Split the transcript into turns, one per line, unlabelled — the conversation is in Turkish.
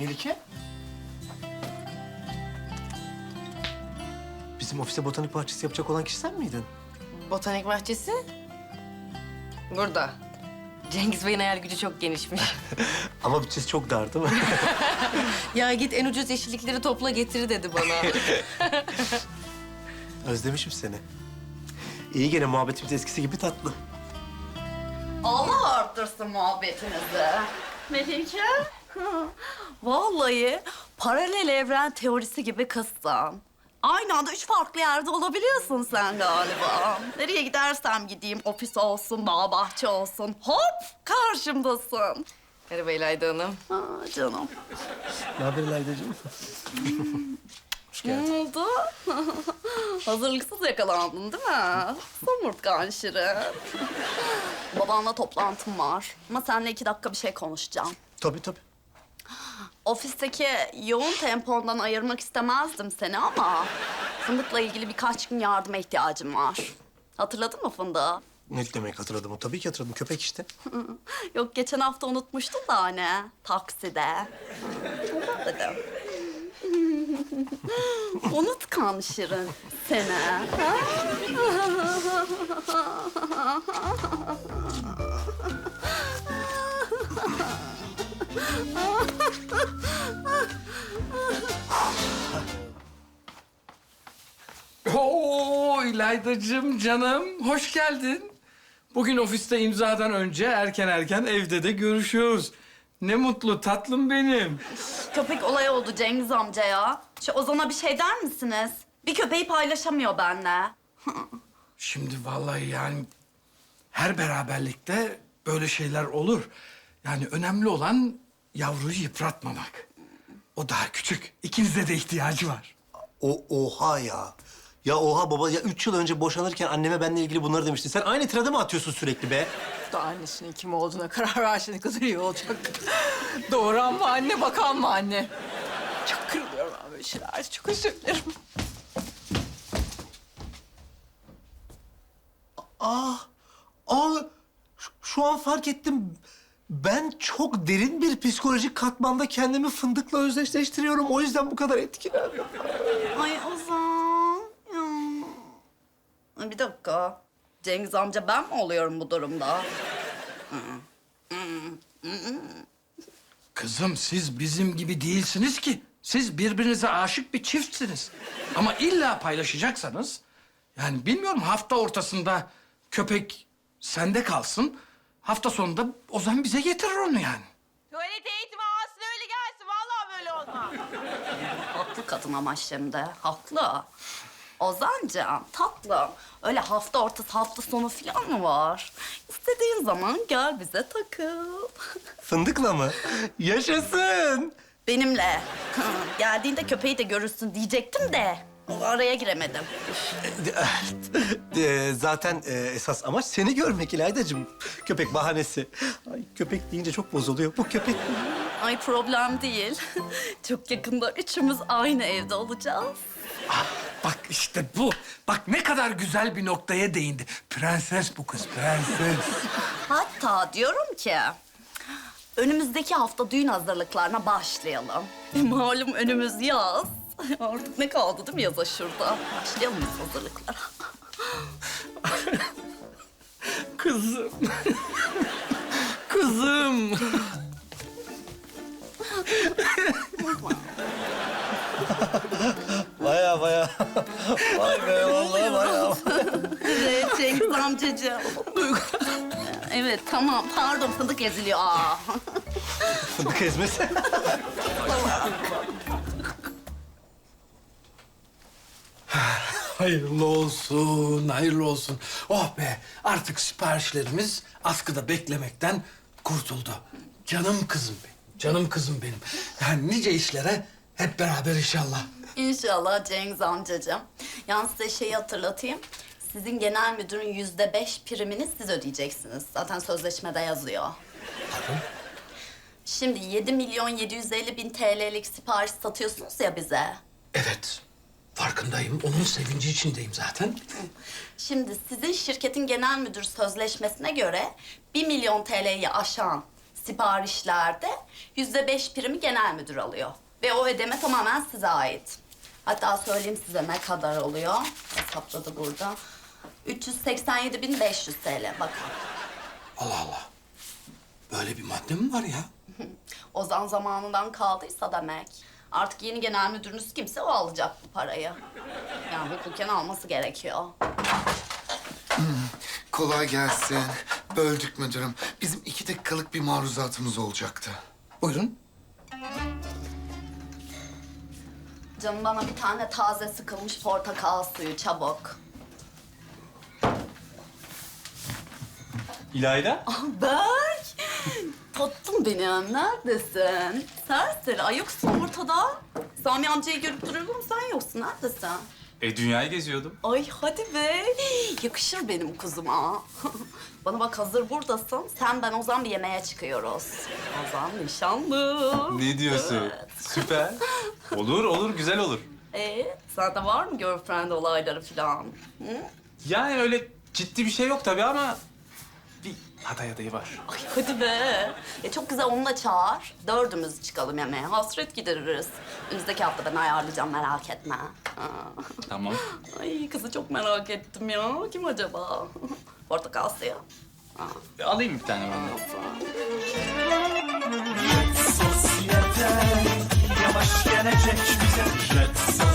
Melike? Bizim ofise botanik bahçesi yapacak olan kişi sen miydin?
Botanik bahçesi? Burada. Cengiz Bey'in hayal gücü çok genişmiş.
Ama bütçesi çok dar değil mi?
Ya git en ucuz yeşillikleri topla getir dedi bana.
Özlemişim seni. İyi gene muhabbetimiz eskisi gibi tatlı.
Allah arttırsın muhabbetinizi. Melike. Vallahi paralel evren teorisi gibi kızsın. Aynı anda 3 farklı yerde olabiliyorsun sen galiba. Nereye gidersem gideyim, ofis olsun, bağ bahçe olsun. Hop karşımdasın.
Merhaba İlayda Hanım.
Aa, canım.
Ne haber Laydacığım? Hoş geldin.
Ne oldu? Hazırlıksız yakalandın değil mi? Somurtkan Şirin. Babanla toplantım var. Ama seninle 2 dakika bir şey konuşacağım.
Tabii tabii.
Ofisteki yoğun tempondan ayırmak istemezdim seni ama... ...Fındık'la ilgili birkaç gün yardıma ihtiyacım var. Hatırladın mı Fındık'ı?
Ne demek hatırladım? Tabii ki hatırladım. Köpek işte.
Yok, geçen hafta unutmuştun da hani, takside. Ondan dedim. Unutkan Şirin seni. Ha?
Oo İlaydacığım canım, hoş geldin. Bugün ofiste imzadan önce erken evde de görüşüyoruz. Ne mutlu tatlım benim.
Köpek olayı oldu Cengiz amca ya. Şu Ozan'a bir şey der misiniz? Bir köpeği paylaşamıyor benimle.
Şimdi vallahi yani her beraberlikte böyle şeyler olur. Yani önemli olan yavruyu yıpratmamak. O daha küçük. İkinize de ihtiyacı var.
Oha ya. Ya oha baba ya 3 yıl önce boşanırken anneme benimle ilgili bunları demiştin. Sen aynı tirada mı atıyorsun sürekli be?
Da annesinin kim olduğuna karar verse ne kadar iyi olacak. Doğuran mı anne, bakan mı anne? Çok kırılıyorum ben böyle şeyler. Çok özür dilerim.
Şu an fark ettim. Ben çok derin bir psikolojik katmanda kendimi Fındık'la özdeşleştiriyorum. O yüzden bu kadar etkileniyorum.
Ay Ozan. Ya. Bir dakika. Cengiz amca ben mi oluyorum bu durumda?
Kızım siz bizim gibi değilsiniz ki. Siz birbirinize aşık bir çiftsiniz. Ama illa paylaşacaksanız... Yani bilmiyorum hafta ortasında köpek sende kalsın. Hafta sonunda Ozan bize getirir onu yani.
Tuvalet eğitimi alsın öyle gelsin. Vallahi böyle olmaz.
Haklı kadın ama şimdi. Haklı. Ozancığım, tatlım. Öyle hafta ortası, hafta sonu falan mı var? İstediğin zaman gel bize takıl.
Fındık'la mı? Yaşasın.
Benimle. Geldiğinde köpeği de görürsün diyecektim de. Araya giremedim.
Zaten esas amaç seni görmek İlaydacığım. Köpek bahanesi. Ay köpek deyince çok bozuluyor. Bu köpek
Ay problem değil. Çok yakında üçümüz aynı evde olacağız.
Ah, bak işte bu. Bak ne kadar güzel bir noktaya değindi. Prenses bu kız, prenses.
Hatta diyorum ki... önümüzdeki hafta düğün hazırlıklarına başlayalım. Malum önümüz yaz. Artık ne kaldı değil mi yaza şurada? Başlayalım biz hazırlıklara.
Kızım. Kızım.
baya. Vay be vallahi baya.
Evet Cengiz amcacığım. Evet tamam pardon fındık eziliyor. Aa.
Fındık ezmesi.
Hayırlı olsun, hayırlı olsun. Oh be, artık siparişlerimiz askıda beklemekten kurtuldu. Canım kızım benim, canım kızım benim. Yani nice işlere hep beraber inşallah.
İnşallah Cengiz amcacığım. Yalnız size şeyi hatırlatayım. Sizin genel müdürün %5 primini siz ödeyeceksiniz. Zaten sözleşmede yazıyor. Şimdi 7.750.000 TL'lik sipariş satıyorsunuz ya bize.
Evet, farkındayım. Onun sevinci içindeyim zaten.
Şimdi sizin şirketin genel müdür sözleşmesine göre 1 milyon TL'yi aşan siparişlerde %5 primi genel müdür alıyor. Ve o ödeme tamamen size ait. Hatta söyleyeyim size ne kadar oluyor. Hesapladı burada. 387.500 TL bakın.
Allah Allah. Böyle bir madde mi var ya?
Ozan zamanından kaldıysa demek. Artık yeni genel müdürünüz kimse o alacak bu parayı. Yani hukuken alması gerekiyor.
Kolay gelsin. Böldük müdürüm. Bizim 2 dakikalık bir maruzatımız olacaktı.
Buyurun.
Canım bana bir tane taze sıkılmış portakal suyu çabuk.
İlayda?
Berk! Tatlım benim, neredesin? Serseri, ay yoksun ortada. Sami amcayı görüp duruyorum, sen yoksun, neredesin?
Dünyayı geziyordum.
Ay hadi be, yakışır benim kuzuma. Bana bak hazır buradasın, sen ben Ozan bir yemeğe çıkıyoruz. Ozan nişanlı.
Ne diyorsun?
Evet.
Süper. Olur, olur, güzel olur.
Sende var mı girlfriend olayları falan? Hı?
Yani öyle ciddi bir şey yok tabii ama bir aday adayı var.
Ay hadi be. Çok güzel onu da çağır. Dördümüz çıkalım yemeğe. Hasret gideririz. Önümüzdeki hafta ben ayarlayacağım merak etme.
Tamam.
Ay kızı çok merak ettim ya. Kim acaba? Portakal suyu.
Alayım bir tane ben de.
Sosyete yavaş gelecek bize. Jet